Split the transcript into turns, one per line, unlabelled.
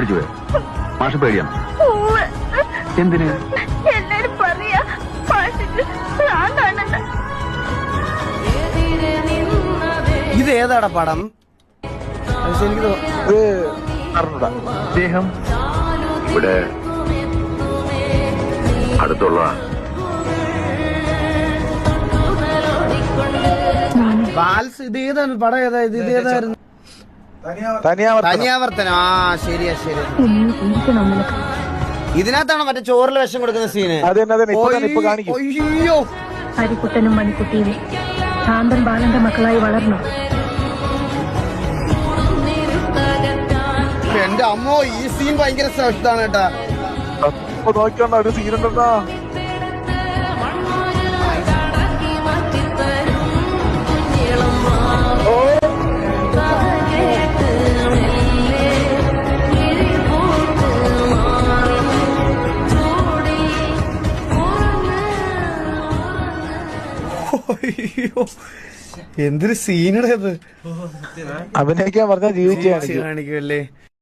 പേടിച്ചു പോയോ? മാഷ് പേടിയാണ്. എന്തിന്?
എല്ലാരും പറയാ മാഷിക്ക് ഭ്രാന്താണെന്ന്.
ഇത് ഏതാടാ പടം? എനിക്ക്
അദ്ദേഹം ഇവിടെ അടുത്തുള്ള
ബാൽസ് ഇത് ഏതാണ് പടം? ഏതാ ഇത്? ഇത് ഏതായിരുന്നു? തനിയാവർത്തനം. ആ ശരിയാ ശരി. ഇതിനകത്താണ് മറ്റേ ചോറിൽ വിഷം കൊടുക്കുന്ന സീന്. അയ്യോ,
ഹരിക്കുട്ടനും മണിക്കുട്ടിയും ശാന്തൻ ബാലന്റെ മക്കളായി വളർന്നു.
എന്റെ അമ്മോ, ഈ സീൻ ഭയങ്കര ശ്രേഷ്ഠാണ് കേട്ടാ.
നോക്കിയോണ്ട ഒരു സീനുണ്ടെന്നാ.
അയ്യോ, എന്തൊരു സീനടേത്.
അഭിനയിക്കാൻ പറഞ്ഞാൽ ജീവിച്ചു
കാണിക്കുമല്ലേ.